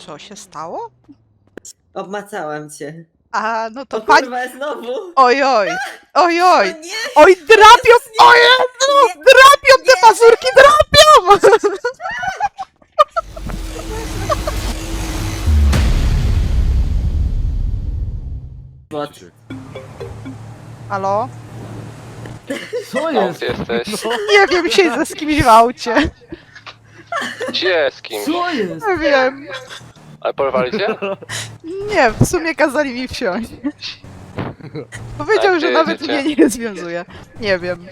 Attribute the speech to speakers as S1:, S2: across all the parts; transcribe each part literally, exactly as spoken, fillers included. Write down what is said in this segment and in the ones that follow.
S1: Co się stało?
S2: Obmacałam cię.
S1: A, no to
S2: O
S1: pani...
S2: kurwa, znowu!
S1: Oj, oj, oj,
S2: O
S1: oj,
S2: nie!
S1: oj, drapią,
S2: Jezus, nie!
S1: o Jezu,
S2: Nie!
S1: drapią te
S2: Nie!
S1: pazurki, drapią!
S2: Bot.
S1: Halo?
S3: Co
S4: O,
S3: jest?
S4: gdzie jesteś?
S1: Nie wiem, siedzę z kimś w aucie.
S4: Gdzie? Z kim?
S3: Co jest?
S1: Nie wiem.
S4: Ale porwali cię?
S1: Nie, w sumie kazali mi wsiąść. Powiedział,
S4: A
S1: że
S4: gdzie
S1: nawet
S4: jedziecie?
S1: mnie nie związuje. Nie wiem.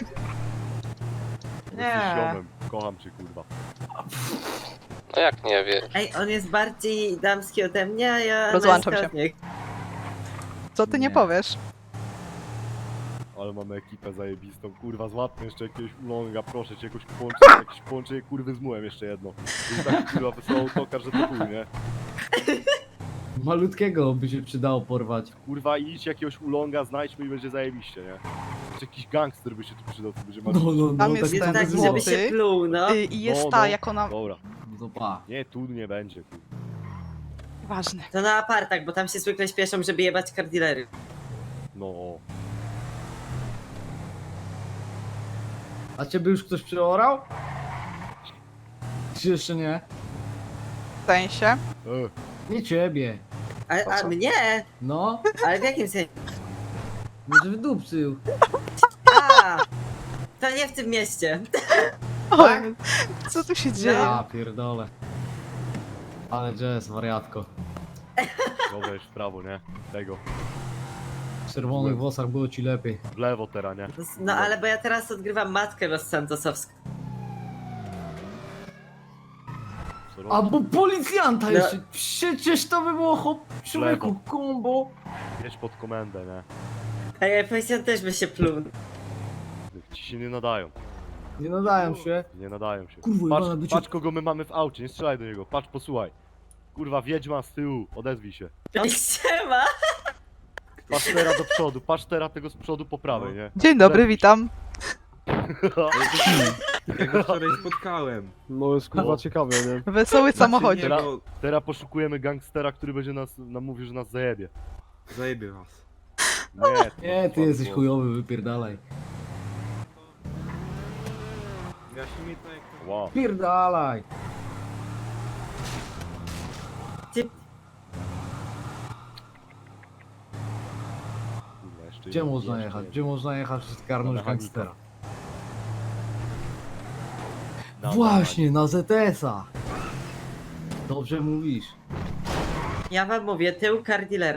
S5: Nie. Ziomem. Kocham cię, kurwa.
S4: No jak nie wiesz?
S2: Ej, on jest bardziej damski ode mnie, a ja
S1: Rozłączam
S2: męska
S1: się.
S2: od niego.
S1: Co ty nie
S3: Nie.
S1: powiesz?
S5: Ale mamy ekipę zajebistą, kurwa, złapmy jeszcze jakiegoś ulonga, proszę cię, jakoś połączenie, jakieś połączenie kurwy z mułem jeszcze jedno. To jest taki kurwa wesoły autokar, że to chuj, nie?
S3: Malutkiego by się przydało porwać.
S5: Kurwa, idź jakiegoś ulonga, znajdźmy i będzie zajebiście, nie? Jeszcze jakiś gangster by się tu przydał, co będzie
S3: No,
S5: marzył.
S3: no, no,
S1: Tam jest
S3: tak
S1: ten
S3: to
S2: Tak,
S3: by
S2: żeby
S3: było.
S1: złoty.
S2: się pluł, no.
S1: Y, I jest
S5: No,
S1: ta,
S5: no.
S1: jak ona...
S5: Dobra,
S3: No to pa.
S5: nie, tu nie będzie, kurwa.
S1: Ważne.
S2: To na apartach, bo tam się zwykle śpieszą, żeby jebać kardilery.
S5: No,
S3: A ciebie już ktoś przeorał? Czy jeszcze nie?
S1: W sensie.
S5: e,
S3: Nie ciebie.
S2: A,
S1: Po
S2: a
S1: co?
S2: mnie?
S3: No,
S2: Ale w jakim sensie?
S3: może wydupcył.
S2: A, to nie w tym mieście.
S1: O, co tu się dzieje?
S3: Ja pierdolę. Ale jazz, wariatko.
S5: dobra, już w prawo, nie? Tego,
S3: W czerwonych włosach było ci lepiej.
S5: w lewo teraz, nie?
S2: No ale bo ja teraz odgrywam matkę Los Santosowską.
S5: Co robisz?
S3: Albo policjanta
S2: No.
S3: jeszcze. Przecież to by było hop, człowieku,
S5: Lewo.
S3: kombo.
S5: Jedź pod komendę, nie?
S2: A ja policjant też by się pluł.
S5: Ci się nie nadają,
S3: Nie nadają się.
S5: nie nadają się.
S3: Kurwa,
S5: Patrz,
S3: jebana, by cię-
S5: patrz kogo my mamy w aucie, nie strzelaj do niego, patrz, posłuchaj. Kurwa, wiedźma z tyłu, odezwij się.
S2: Ej, siema!
S5: Patrz teraz do przodu, patrz teraz tego z przodu po prawej, nie?
S1: Dzień dobry, witam.
S6: Ja go wczoraj spotkałem.
S7: No jest kurwa
S5: No.
S7: ciekawe, nie?
S1: Wesoły samochodzie.
S6: Znaczy, nie, bo
S5: Teraz poszukujemy gangstera, który będzie nas, nam mówił, że nas zajebie.
S6: zajebie was.
S5: Nie, to
S3: Nie, ty
S5: masz
S3: jesteś
S5: głos.
S3: chujowy, wypierdalaj.
S6: Wyjaśnij mi to jak to...
S5: Wow.
S3: Pierdalaj.
S2: Ty,
S5: Kurwa, jeszcze
S3: Gdzie
S5: jeden,
S3: można
S5: jeszcze
S3: jechać?
S5: jeden.
S3: Gdzie można jechać, żeby zgarnąć
S5: Na mechanika.
S3: gangstera?
S5: Na
S3: Właśnie, na Z S a. Dobrze mówisz.
S2: ja wam mówię, tył kardilera.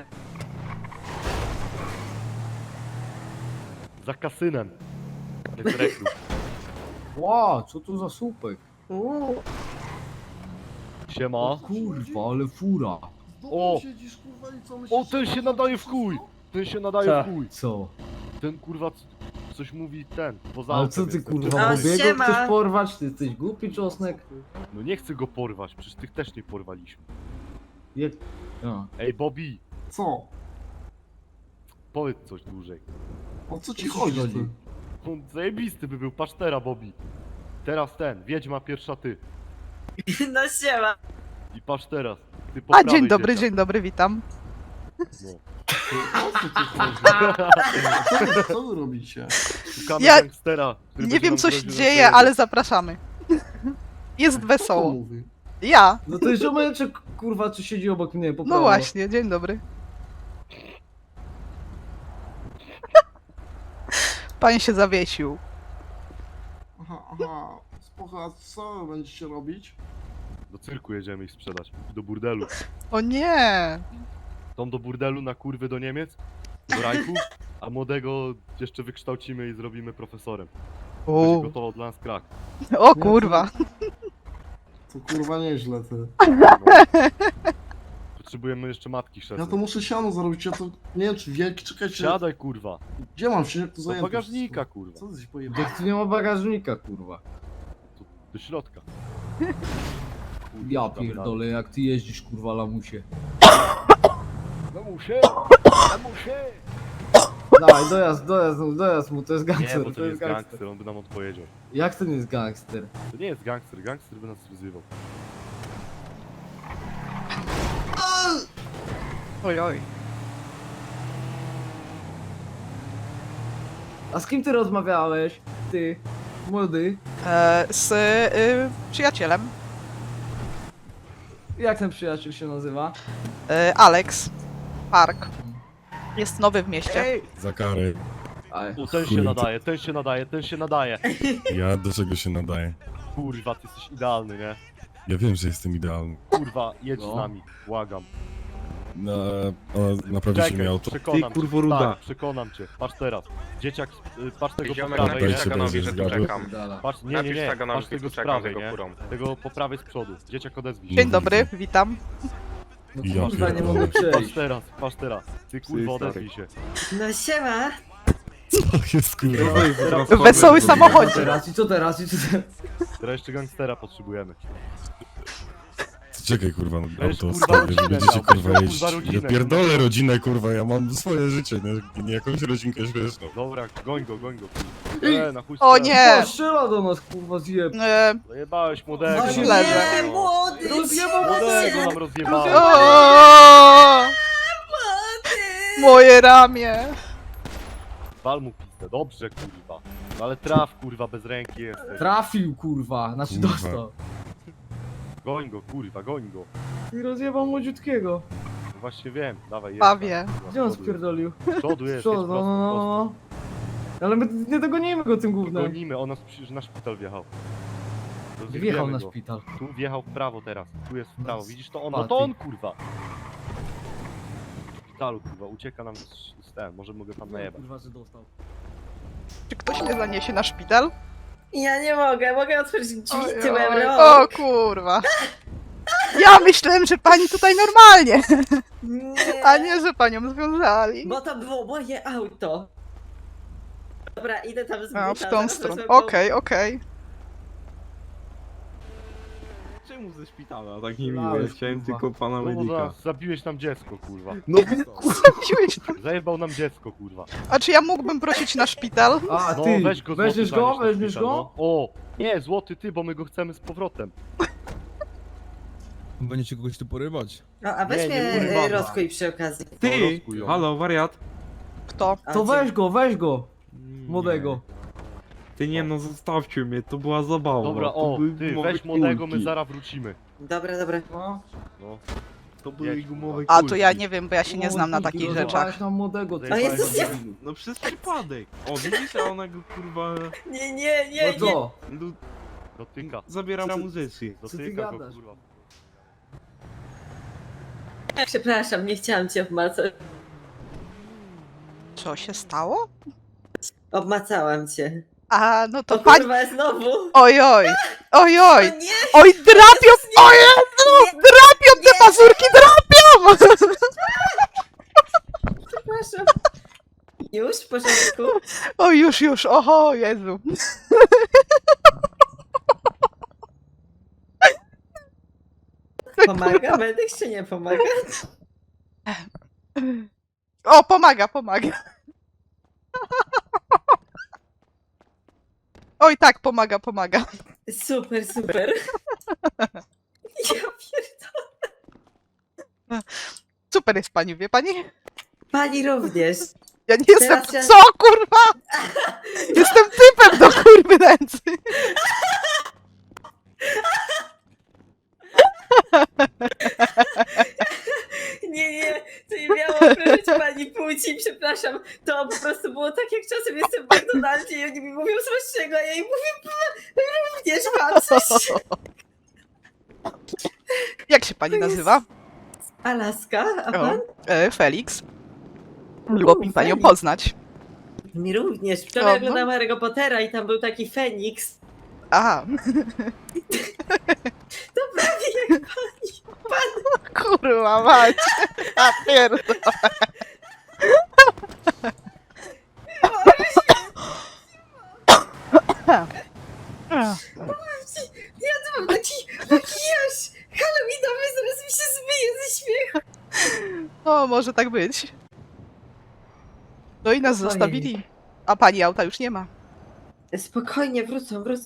S5: Za kasynem. Jest rekrut.
S3: Ła, co to za słupek?
S2: Uuu.
S5: Siema.
S3: Kurwa, ale fura.
S5: O! O, ten się nadaje w chuj! Ten się nadaje w chuj!
S3: Co?
S5: Ten kurwa c- coś mówi ten, poza
S3: Ale
S5: autem
S3: co ty
S5: jest,
S3: kurwa,
S5: ten
S2: O,
S3: Bobiego
S2: siema.
S3: chcesz porwać? Ty jesteś głupi czosnek?
S5: No nie chcę go porwać, przecież tych też nie porwaliśmy.
S3: Jak... A.
S5: Ej Bobby,
S7: Co?
S5: powiedz coś dłużej.
S7: O co ci
S3: Co ci
S7: chodzi?
S3: chodzi?
S7: Ty?
S5: On zajebisty by był, patrz teraz Bobby. Teraz ten, wiedźma pierwsza ty.
S2: No siema.
S5: I patrz teraz. Ty po
S1: A,
S5: prawej
S1: dzień dobry,
S5: dzieciak.
S1: dzień dobry, witam.
S5: No.
S7: O co ci chodzi? Co wy, co wy robicie?
S5: Szukamy
S1: Ja
S5: gangstera, który
S1: Nie
S5: będzie
S1: wiem,
S5: nam
S1: co się
S5: groził, że
S1: dzieje,
S5: zajebie.
S1: ale zapraszamy. Jest
S7: Kto to
S1: wesoło.
S7: mówi?
S1: Ja.
S3: No to jest ziomeczek, kurwa, co siedzi obok mnie, po
S1: No
S3: prawo.
S1: właśnie, dzień dobry. Pan się zawiesił.
S7: Aha, aha. Spoko, a co będziecie robić?
S5: Do cyrku jedziemy ich sprzedać. Do burdelu.
S1: O nie.
S5: Tą do burdelu na kurwy do Niemiec, do Rajku, a młodego jeszcze wykształcimy i zrobimy profesorem. Będzie
S1: U.
S5: gotował dla nas krak.
S1: O kurwa.
S7: To kurwa nieźle, ty.
S5: Potrzebujemy jeszcze matki
S7: Ja
S5: chrzestnej.
S7: to muszę siano zarobić, ja to nie wiem czy wielki, czekajcie.
S5: Siadaj kurwa.
S7: Gdzie mam się, jak to
S5: Do
S7: zajęte?
S5: bagażnika
S7: wszystko?
S5: kurwa.
S7: Co ty się pojebał?
S3: Jak tu nie ma bagażnika, kurwa.
S5: Tu, do środka. Kurwa,
S3: Ja
S5: damy
S3: pierdolę, jak ty jeździsz, kurwa, lamusie.
S5: radę. No muszę! No muszę!
S3: Dawaj, dojazd, dojazd, dojazd mu, to jest
S5: Nie,
S3: gangster,
S5: bo to nie jest gangster, on by nam odpowiedział.
S3: Jak to nie jest gangster?
S5: To nie jest gangster, gangster by nas wyzywał.
S1: Oj, oj.
S3: A z kim ty rozmawiałeś? Ty, młody.
S1: E, z y, przyjacielem.
S3: Jak ten przyjaciel się nazywa?
S1: E, Alex. Park. Jest nowy w mieście.
S3: Ej!
S8: Za karę.
S3: Aj.
S5: U, ten się
S8: Kurde.
S5: nadaje, ten się nadaje, ten się nadaje.
S8: Ja do czego się nadaję?
S5: Kurwa, ty jesteś idealny, nie?
S8: Ja wiem, że jestem idealny.
S5: Kurwa, jedź
S3: No.
S5: z nami, błagam.
S8: Na, a naprawisz mi auto?
S5: przekonam
S6: Ty, kurwo,
S5: cię.
S6: ruda.
S5: Tak, przekonam cię. Patrz teraz. Dzieciak, y, patrz tego po
S9: Ziomek,
S5: prawej,
S8: napisz
S5: nie?
S8: się
S9: Taganowi,
S8: będzie
S9: że tu
S8: zgadł.
S9: czekam.
S5: Patrz, nie, nie,
S9: Napisz
S5: nie,
S9: Taganowi,
S5: patrz
S9: że
S5: tego
S9: tu
S5: z
S9: czekam z
S5: prawej,
S9: jego
S5: nie?
S9: furą.
S5: Tego po prawej z przodu. Dzieciak, odezwij się.
S1: Dzień dobry, witam.
S3: No
S8: Ja
S3: kurwa, nie
S8: pierdolę.
S3: mogę
S5: Patrz
S3: przejść.
S5: teraz, patrz teraz. Ty kurwa, odezwij się.
S2: No siema.
S8: Co jest kurwa?
S6: To jest
S5: Teraz-
S6: transformer.
S1: Wesoły
S3: Co
S1: samochodzik.
S3: teraz? I co teraz? I co teraz?
S5: Teraz jeszcze gangstera potrzebujemy.
S8: Czekaj kurwa, no,
S5: Weź,
S8: auto
S5: kurwa,
S8: stary,
S5: rodzinę
S8: że będziecie
S5: tam,
S8: kurwa
S5: kurwa,
S8: jeździć.
S5: rodzinę,
S8: Ja pierdolę rodzinę kurwa, ja mam swoje życie, nie, nie jakąś rodzinkę śmieszną.
S5: Dobra, goń go, goń go. E, na chuj
S1: O
S5: strzela.
S1: nie!
S3: O, strzela do nas, kurwa, zjeb.
S1: E,
S5: Zajebałeś młodego.
S2: O
S1: Coś
S5: nam
S1: leży.
S2: nie,
S5: rozjebało.
S2: młody!
S3: Rozjebał
S5: Młodego
S2: się.
S5: nam rozjebało.
S1: o,
S2: Młody!
S1: moje ramię.
S5: Wal mu pizdę, dobrze kurwa. No ale traf kurwa, bez ręki jesteś.
S3: Trafił, kurwa. Znaczy
S8: Kurwa.
S3: dostał.
S5: Goń go kurwa, goń go.
S3: I rozjebał młodziutkiego.
S5: No właśnie wiem, dawaj jedź.
S1: Pawie.
S5: tam,
S3: Gdzie on
S5: kurwa, z przodu
S3: spierdolił?
S5: jest. Z przodu jest,
S3: Co?
S5: jest
S3: No,
S5: prosto,
S3: no, no,
S5: prosto.
S3: no. Ale my nie dogonimy go tym gównem.
S5: Gonimy, on nas przecież na szpital wjechał. Rozjebiemy
S3: Wjechał na
S5: go.
S3: szpital.
S5: Tu wjechał w prawo teraz, tu jest w prawo,
S3: No,
S5: widzisz to on, no
S3: spadł.
S5: to on kurwa! W szpitalu kurwa, ucieka nam z, z ten, może mogę tam najebać.
S3: Kurwa, że dostał.
S1: Czy ktoś mnie zaniesie na szpital?
S2: Ja nie mogę, mogę otworzyć drzwi
S1: Oj,
S2: tyłem
S1: oj.
S2: rąk.
S1: O kurwa. Ja myślałem, że pani tutaj normalnie,
S2: Nie.
S1: a nie, że panią związali.
S2: Bo to było moje auto. Dobra, idę tam z
S1: A,
S2: buta,
S1: w tą
S2: zaraz
S1: stronę.
S2: wezmę po-
S1: Okej, okej.
S6: Czemu ze szpitala? Tak niemiłe.
S3: Lałeś,
S6: Chciałem
S3: kurwa.
S6: tylko pana
S5: No
S6: medyka.
S5: za, zabiłeś nam dziecko kurwa.
S6: No
S1: Zabiłeś tam.
S5: Zajebał nam dziecko kurwa.
S1: A czy ja mógłbym prosić na szpital?
S3: A,
S5: No
S3: ty,
S5: weź go złoty,
S3: weźmiesz go?
S5: zanieś na
S3: Weźmiesz
S5: szpital,
S3: go?
S5: no. O! Nie, złoty ty, bo my go chcemy z powrotem.
S10: Będziecie kogoś tu porywać.
S2: No, a weź
S5: Nie, nie,
S2: mnie
S5: kurwa.
S2: e, rozkuj przy okazji.
S5: No,
S6: ty!
S5: rozkuj ją.
S6: Halo, wariat!
S1: Kto?
S2: A,
S3: To
S2: gdzie?
S3: weź go, weź go.
S6: Nie.
S3: Młodego.
S6: Ty nie no, zostawcie mnie, to była zabawa.
S5: Dobra,
S6: to
S5: o,
S6: były
S5: ty,
S6: gumowe
S5: weź młodego, my
S6: kulki.
S5: zaraz wrócimy.
S2: Dobra, dobra.
S3: No.
S5: No.
S6: To były
S5: Jedź,
S6: gumowe
S1: A
S6: kulki.
S1: to ja nie wiem, bo ja się nie znam na
S3: Młody,
S1: takich
S3: rozjebałeś
S1: rzeczach.
S3: nam młodego.
S2: O Jezus, ja...
S6: No przez przypadek. O, widzisz, a ona go kurwa...
S2: Nie, nie, nie,
S3: No
S2: nie.
S3: co?
S6: lu-
S5: Dotyka.
S6: Zabiera mu zyski.
S3: Co ty
S5: Dotyka go
S3: gadasz?
S5: kurwa.
S2: Przepraszam, nie chciałam cię obmacać.
S1: Co się stało?
S2: Obmacałam cię.
S1: A, no to
S2: O
S1: pani...
S2: kurwa, znowu.
S1: Oj, oj. Oj,
S2: O
S1: oj.
S2: nie,
S1: Oj, drapią! O Jezu! Drapią te pazurki, drapią!
S2: przepraszam. Już, w porządku?
S1: O, już, już, oho, Jezu.
S2: Pomaga medyk czy nie pomaga?
S1: O, pomaga, pomaga. Oj, tak, pomaga, pomaga.
S2: Super, super. Ja pierdolę.
S1: Super jest pani, wie pani?
S2: Pani również.
S1: Ja nie jestem...
S2: Teraz ja-
S1: Co, kurwa? Jestem typem do kurwy nędzy.
S2: Nie, nie, to nie miało obrażać pani płci, przepraszam. To po prostu było tak, jak czasem jestem w McDonaldzie i oni mi mówią smacznego, a ja im mówię, "Pa- również pan coś.
S1: Jak się pani nazywa?
S2: Alaska, a
S1: O,
S2: pan?
S1: e, Felix. Miło mi panią
S2: Felix.
S1: poznać.
S2: Mi również. Wczoraj
S1: O,
S2: oglądałam Harry'ego Pottera i tam był taki Feniks.
S1: Aha,
S2: To prawie jak
S1: kurwa mać. A pierdolę.
S2: ja to mam taki makijaż halloweenowy, zaraz mi się zmyje ze śmiechu.
S1: No, może tak być. No i nas
S2: Ojej.
S1: zostawili. A pani auta już nie ma.
S2: Spokojnie, wrócą, wrócą.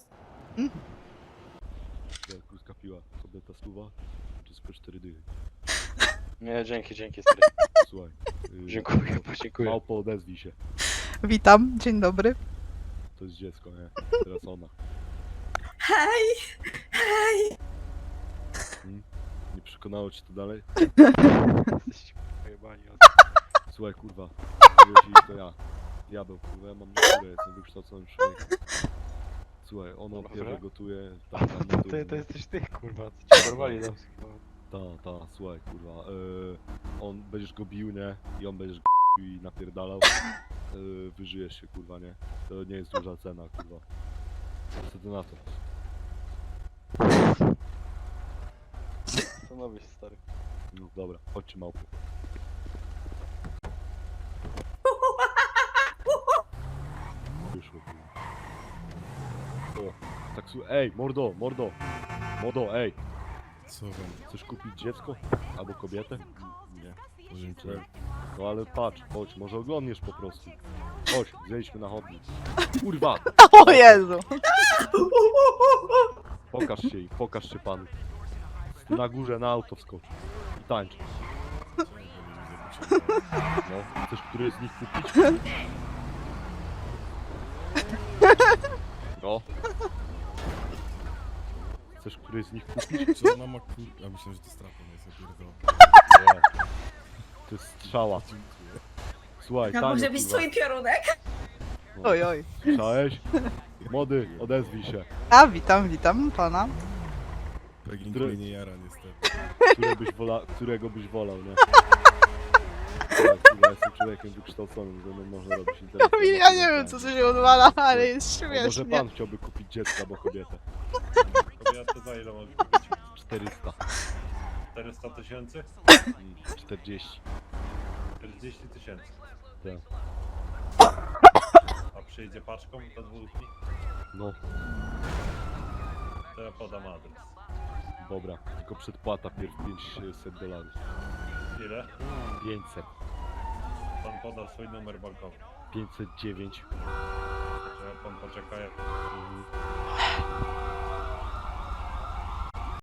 S5: Jak skapiła sobie ta stuwa, wszystko cztery dychy.
S9: Nie, dzięki, dzięki, stary.
S5: Słuchaj. y,
S9: Dziękuję, podziękuję.
S5: Małpo, odezwij się.
S1: Witam, dzień dobry.
S5: To jest dziecko, nie? Teraz ona.
S2: Hej! Hej!
S5: Hmm? Nie przekonało cię to dalej?
S9: Jesteście pojebani.
S5: Słuchaj, kurwa. Powiedzieli, to ja. Diabeł, kurwa, ja mam naturę, jestem wykształconym człowiekiem. Słuchaj, ono
S9: Dobra.
S5: pierwsze gotuje,
S9: A
S5: tak,
S9: to,
S5: tam
S9: to, to,
S5: gotuje.
S9: to jesteś ty, kurwa, co cię porwali tam.
S5: Ta, ta, słuchaj, kurwa. y, on, będziesz go bił, nie? I on będziesz go bił i napierdalał. Y, wyżyjesz się, kurwa, nie? To nie jest duża cena, kurwa. Co ty na to?
S9: Stanowisz, stary.
S5: No dobra, chodźcie małpy. Wyszło, kurwa. O, tak słuchaj, ej, mordo, mordo. Mordo, ej.
S8: Co wam?
S5: Chcesz kupić dziecko? Albo kobietę?
S8: Nie. Dziękuję.
S5: No ale patrz, chodź, może oglądniesz po prostu. Chodź, zejdźmy na chodnik. Kurwa!
S1: O Jezu!
S5: Pokaż się i pokaż się panu. Ty na górze na auto wskocz. I tańcz. No, chcesz któryś z nich kupić? No. Chcesz któryś z nich kupić?
S8: Co ona ma kur... Ja myślałem, że to strapą jest, ja pierdolę.
S5: Nie. To jest strzała.
S8: Dziękuję.
S5: Słuchaj,
S2: A
S5: tańcz,
S2: może być
S5: kurwa.
S2: twój piorunek?
S5: No.
S1: Oj, oj.
S5: Słyszałeś? Młody, odezwij się.
S1: A, witam, witam pana.
S8: Pegling
S5: Który-
S8: mnie nie jara niestety.
S5: Które byś wola... Którego byś wolał, nie? Słuchaj, kurwa, jestem człowiekiem wykształconym, ze mną można robić interesy.
S1: Ja nie wiem, co tu się odwala, ale jest
S5: A może
S1: śmiesznie.
S5: pan chciałby kupić dziecko albo kobietę?
S10: Kobietę za ile mogę kupić?
S5: czterysta.
S10: czterysta tysięcy?
S5: Mm, czterdzieści.
S10: czterdzieści tysięcy.
S5: Tak.
S10: A przyjdzie paczką do dwóch dni?
S5: No,
S10: To ja podam adres.
S5: dobra. Tylko przedpłata pierw pięćset dolarów.
S10: Ile?
S5: pięćset.
S10: Pan poda swój numer bankowy.
S5: pięćset dziewięć.
S10: Czy pan poczeka?
S5: Mhm.